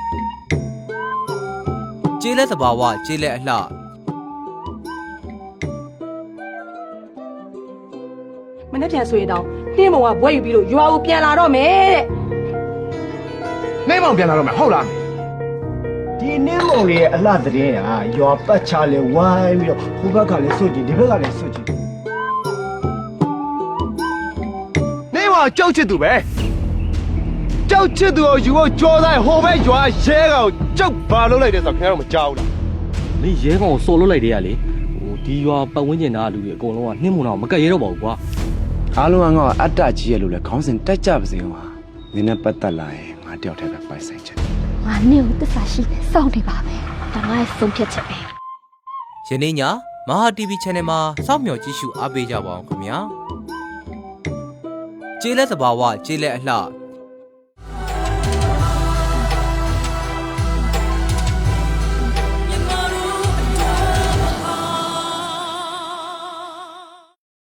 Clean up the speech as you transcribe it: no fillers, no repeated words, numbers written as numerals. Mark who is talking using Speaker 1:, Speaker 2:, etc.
Speaker 1: ကျေးလက်သဘာဝကျေးလက်အလှ
Speaker 2: မနေ့ပြန်ဆိုရင်တော့နှင်းမုံကဘွဲယူပြီးလို့ရွာကိုပြန်လာတော့မယ်တဲ့
Speaker 3: နှင်းမောင်ပြန်လာတော့မယ်ဟုတ်လား
Speaker 4: ဒီနင်းမုံလေးရဲ့အလှသတင်းဟာရွာပတ်ချလဲဝိုင်းပြီးတော့ဟိုဘက်ကလည်းစွတ်ကြည့်ဒီဘက်ကလည်းစွတ်ကြည့်
Speaker 3: နှင်းမောင်ကြောက်ချစ်သူပဲကြောက်ချစ်သူကိုယူဖို့ကြောတိုင်းဟိုဘက်ရွာရဲကောင်ကြောက်ဘာလုပ်လိုက်တယ်ဆိုတော့ခင်ဗျားတို့မကြောက်ဘူးလား
Speaker 5: မင်းရဲကောင်ကိုစော်လို့လိုက်တယ်ကလေဟိုဒီရွာပတ်ဝန်းကျင်သားလူတွေအကုန်လုံးကနှင်းမုံတော့မကတ်ရဲတော့ပါဘူးကွာ
Speaker 6: အားလုံးကတော့အတ္တကြီးရဲ့လို့လဲခေါင်းစဉ်တက်ကြပါစေဟာနင်းနဲ့ပတ်သက်လာရင်ငါတယောက်တည်းပဲပိုက်ဆိုင်ချင်တယ်
Speaker 7: ငါနဲ့ကိုသစ္စာရှိစောင့်နေပါမယ်ဒါငါရဲ့ဆုံးဖြတ်ချက်ပဲ
Speaker 1: ယနေ့ညမဟာ TV Channel မှာစောင့်မျှော်ကြည့်ရှုအားပေးကြပါအောင်ခင်ဗျာကျေးလက်သဘာဝကျေးလက်အလှ